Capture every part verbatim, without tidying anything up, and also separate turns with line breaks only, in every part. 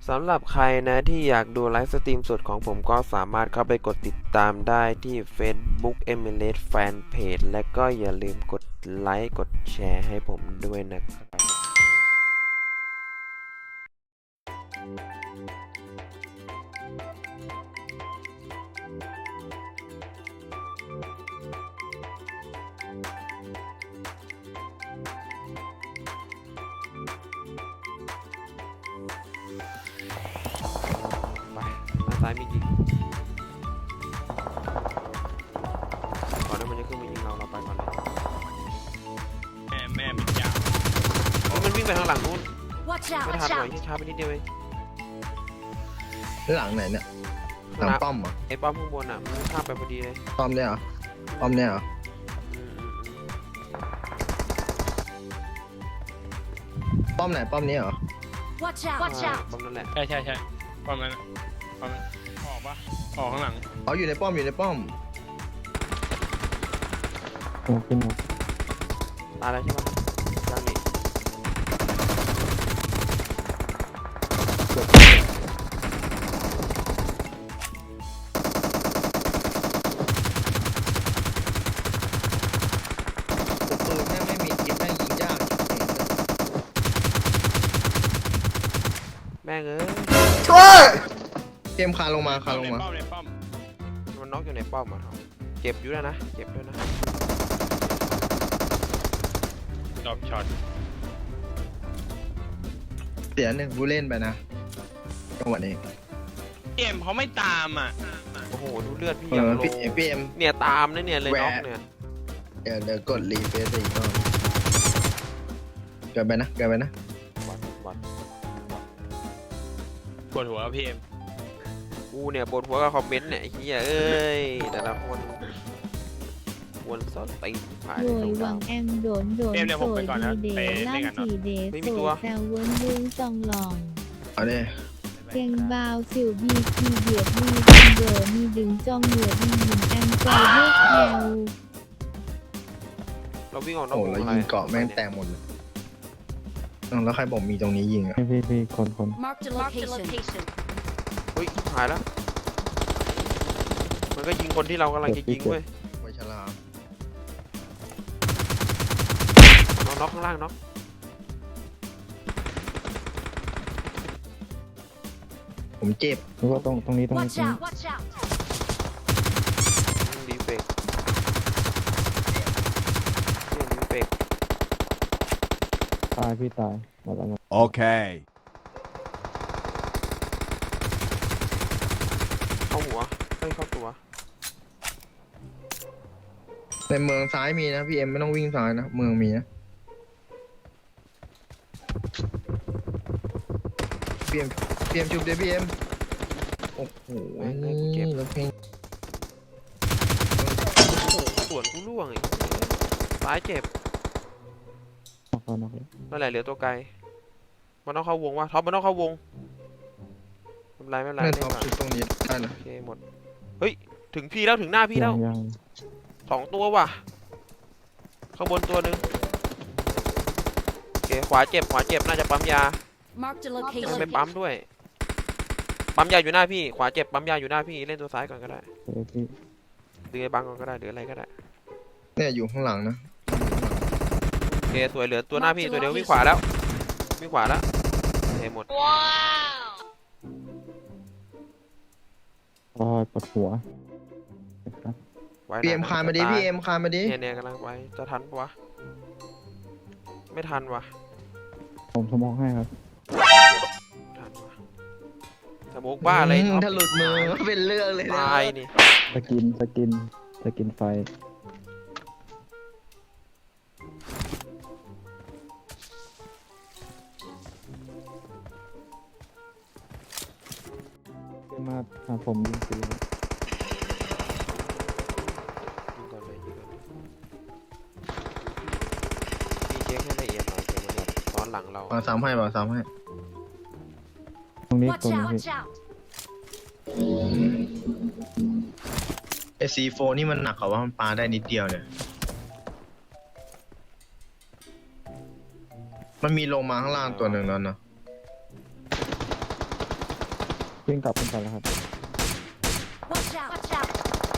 สำหรับใครนะที่อยากดูไลฟ์สตรีมสดของผมก็สามารถเข้าไปกดติดตามได้ที่ Facebook เอมิเลส Fanpage และก็อย่าลืมกดไลค์กดแชร์ให้ผมด้วยนะครับไปด้านซ้ายมียิงก่อนที่มันจะขึ้นมายิงเราเราไปก่อนเลย
แม่แม่เป็นยาว
เฮ้ยมันวิ่งไปทางหลังนู้น
Watch out!
ไม่ทัน
Watch
หน่อย
out!
ที่ช้าไปนิดเดียวเอง
หลังไหนเนี่ยหลังป้อมเหรอ
ไอ้ป้อมข้างบนอ่ะมันข้ามไปพอดีเลย
ป้อมเนี่ยเหรอป้อมเนี่ยเหรอ
อืมอืมอืม
ป้อมไหนป้อมนี้เหรอ
Watch out! Watch
อ่า
out!
ป้อมนั่นแหละ
ใช่ใช่ใช่ประมาณนั้นประมาณออกปะออกข้างหลัง
อ๋ออยู่ในป้อมอยู่ในป้อม
โอ้ขึ้นมา
ตายแล้วใช่ปะยังนี่
ปืนแม่งไม่มีกิ๊บแม่งยิงยาก
แม่งเอ้ย
ช่วยเกมคานลงมาคานลงมา
ในป้อมในป้อม
มันน็อกอยู่ในป้อมอ่ะครับเจ็บอยู่แล้วนะเจ็บด้วยนะ
ดอกช็อต
เสียหนึ่งผู้เล่นไปนะจังหวะนี้
เกมเขาไม่ตามอ่ะ
โอ้โหดูเลือดพี่
เอ
อย่าง
อ
โล
พี่พี่เอ็ม
เนี่ยตามนะเนี่ยเลย
แหวะ
น็อกเนี่ย
เดี๋ยวเดี๋ยวกดรีเฟซอีกรอบเกิดไปนะเกิดไปนะ
บัดบัด
ปวดหัวพี่เอ็ม
กูเนี่ยปวดหัวกับคอมเมนต์เนี่ยไอ้เหี้ยเอ้ยแต่ละคนวนซอดตีผ่าน
โด
ใน
ย
ตรง
วั
ดาว
งแอมโดนโดนโสดดีเดย์ล่างสีเดย์โสดแซวเวิร์นยุ้งจองหลอง
เอาดิ
เก่งบาวสิวบีทีเดียดมีดึงเดอมีดึงจ้องเหนือดีหินแอมใจเลือกแถว
เราวิ่งออกนอก
โอ้
วง
แล้ว
อะไร
ยิงเกาะแม่งแตกหมดเลยอ้าวแล้วใครบอกมีตรงนี้ยิงอ่ะ
พี่พี่พี่คนคน
Marked a location.
เฮ้ยหายแล้วมันก็ยิงคนที่เรากำลังจะยิงเว้ย
ไวชลา
น็อกน็อกข้างล่างน็อก
ผมเจ็บ
แล้วก็ตรงตรงนี้ตรงนี้
Watch
ตรงนี้
out! Watch out!
ดีเฟกดีเฟก
ตายพี่ตายหมดแล้วหมด
Okay.
เข้าหัวเฮ้ยเข้าตัว
ในเมืองซ้ายมีนะพี่เอ็มไม่ต้องวิ่งซ้ายนะเมืองมีนะพี่เอ็มพี่เอ็มจุบเดี๋ยวพี่เอ็มโอ้โหแล้วเพลง
โอ้โหสวนกูล่วงอีกซ้ายเจ็บ
นอกแล้วนอกแล้ว
นั่นแหละเหลือตัวไกลมันต้องเข้าวงวะท็อปมันต้องเข้าวงไม่เป็นไรไม่เป็นไร
แม่
เล่
ท็อน ป
ก่อน
ชุดตรงนี้ได้นะ
โอเคหมดเฮ้ยถึงพี่แล้วถึงหน้าพี่แล้ว
ยังยัง
สองตัวว่ะข้างบนตัวหนึ่งโอเคขวาเจ็บขวาเจ็บน่าจะปั๊มยา
Marked a
ไม่
location.
ไปปั๊มด้วยปั๊มยาอยู่หน้าพี่ขวาเจ็บปั๊มยาอยู่หน้าพี่เล่นตัวซ้ายก่อนก็ได้
เดี๋ยวพี่
ดึงไอ้บังก่อนก็ได้หรืออะไรก็ได้
เนี่ยอยู่ข้างหลังนะ
โอเคสวยเหลือตัวหน้าพี่ตัวเดียววิ่งขวาแล้ววิ่งขวาแล้วโอเคหมด
โอ้ยปวดหัวนะครับ
ไว้
พี่เอ็ม
นะ
คานมาดิ
จะตย
พี่เอ็มคานมาดิ
เนี่ยเนี่ยกำลังไว้จะทันปะวะไม่ทันวะ
ผมสมองให้ครับ
ทันวะสโมกบ้าอะไร
อืม
ท็อป
ถ้าหลุดมือเป็นเรื่องเลยนะ
ตายนี่
สกินสกินสกินไฟขึ้นมาหาผมยิงปืน
ยิงก่อนเลยยิงก่อนเลยพี่เช็คให้ละเอียดหน่อยเดี๋ยวมันแบบซ้อนหลังเรา
มาซ้ำให้มาซ้ำให้
ตรงนี้
Watch
ตรงนี้
out!
พี่
Watch out!
ไอซีโฟนี่มันหนักกว่าว่ามันปาได้นิดเดียวเนี่ยมันมีลงมาข้างล่างตัวหนึ่งแล้วนะ
วิ่งกลับขึ้นไปแล้วครับ
Watch out! Watch out!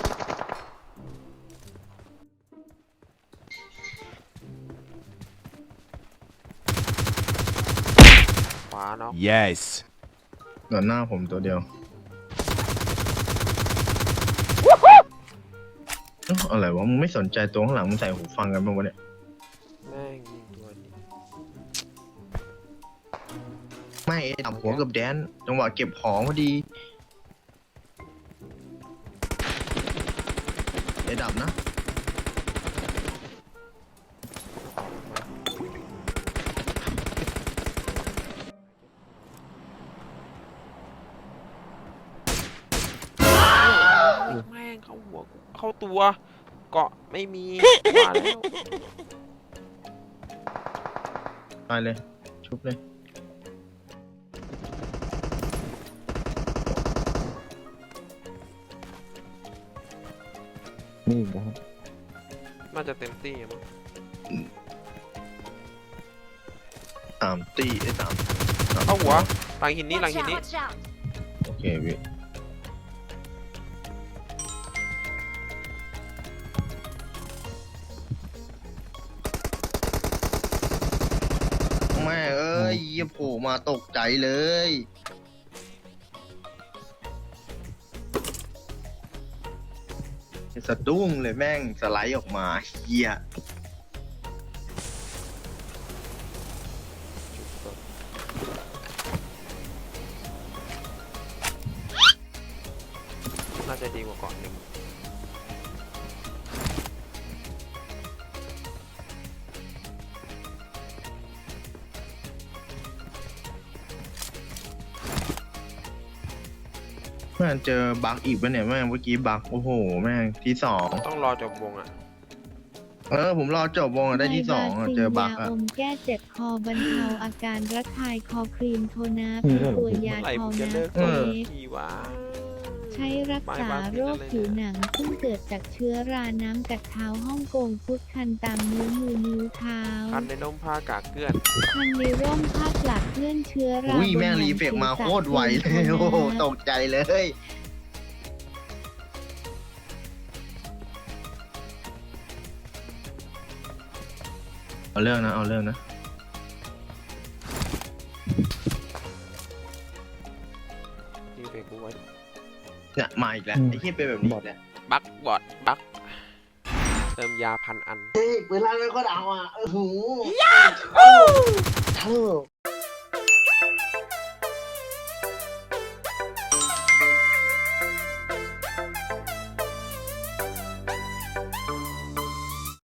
ขวาเนาะ
Yes.
หนอนหน้าผมตัวเดียวเอ้าอะไรวะมึงไม่สนใจตัวข้างหลังมึงใส่หูฟังกันบ้างวะเนี่ย
แม่งยิงตัวนี้
ไม่เอดับหัวกับแดนจังหวะเก็บของพอดีเอดับนะ
แม่งเข้าหัวกูเข้าตัวเกาะไม่มีมาแล้ว
ไปเลยชุบเลย
นี่อีกนะครับ
น่าจะเต็มที่อะมั้ง
สามตีไอ้สามสาม
เข้าหัวหลังหินนี้หลัง
Watch
หิน
out!
นี้
Watch out!
โอเคพี่แม่เอ้ยเหี้ยโผล่มาตกใจเลยสะดุ้งเลยแม่งสไลด์ออกมาเฮีย
น่าจะดีกว่าเกาะหนึ่ง
แม่งเจอบั๊กอีกปะเนี่ยแม่งเมื่อกี้บั๊กโอ้โหแม่งที่สอง
ต้องรอจบวงอ่ะ
เออผมรอจบวงอะได้ที่สองอะเจอบั๊ก
ยา
อะ
อมแก้เจ็บคอบรรเทาอาการระคายคอครีมโทนาเป็นตัวยา
เมื่อไหร่
ทอ
มึงจะ
นา
เลิก
เฟ
เกาะ
ก
ทีวะ
ใช้รักษาโรคผิวหนังซึ่งเกิดจากเชื้อราน้ำกัดเท้าฮ่องกงพุดคันตามนิ้วมือนิ้วเท้า
คันในนมผ้ากากเกลื่อน
คันในร่มผ้าหลักเลื่อนเชื้อรา
อุ้ย
บน
แม่ง
หนั
รี
ง
เฟก
ศีร
มา
ษะ
โคตรไวเลยโอ้โหตกใจเลย เอาเรื่องนะ เอาเรื่องนะ
นี่เป็นกูไว้
เนี่ยมาอีกแล้วไอ้ที่เป็นแบบนี้อีกแล้ว
บักบอดบักเติมยาพันอัน
เฮ้ยเวลาเราก็เอาอ่ะโอ้โห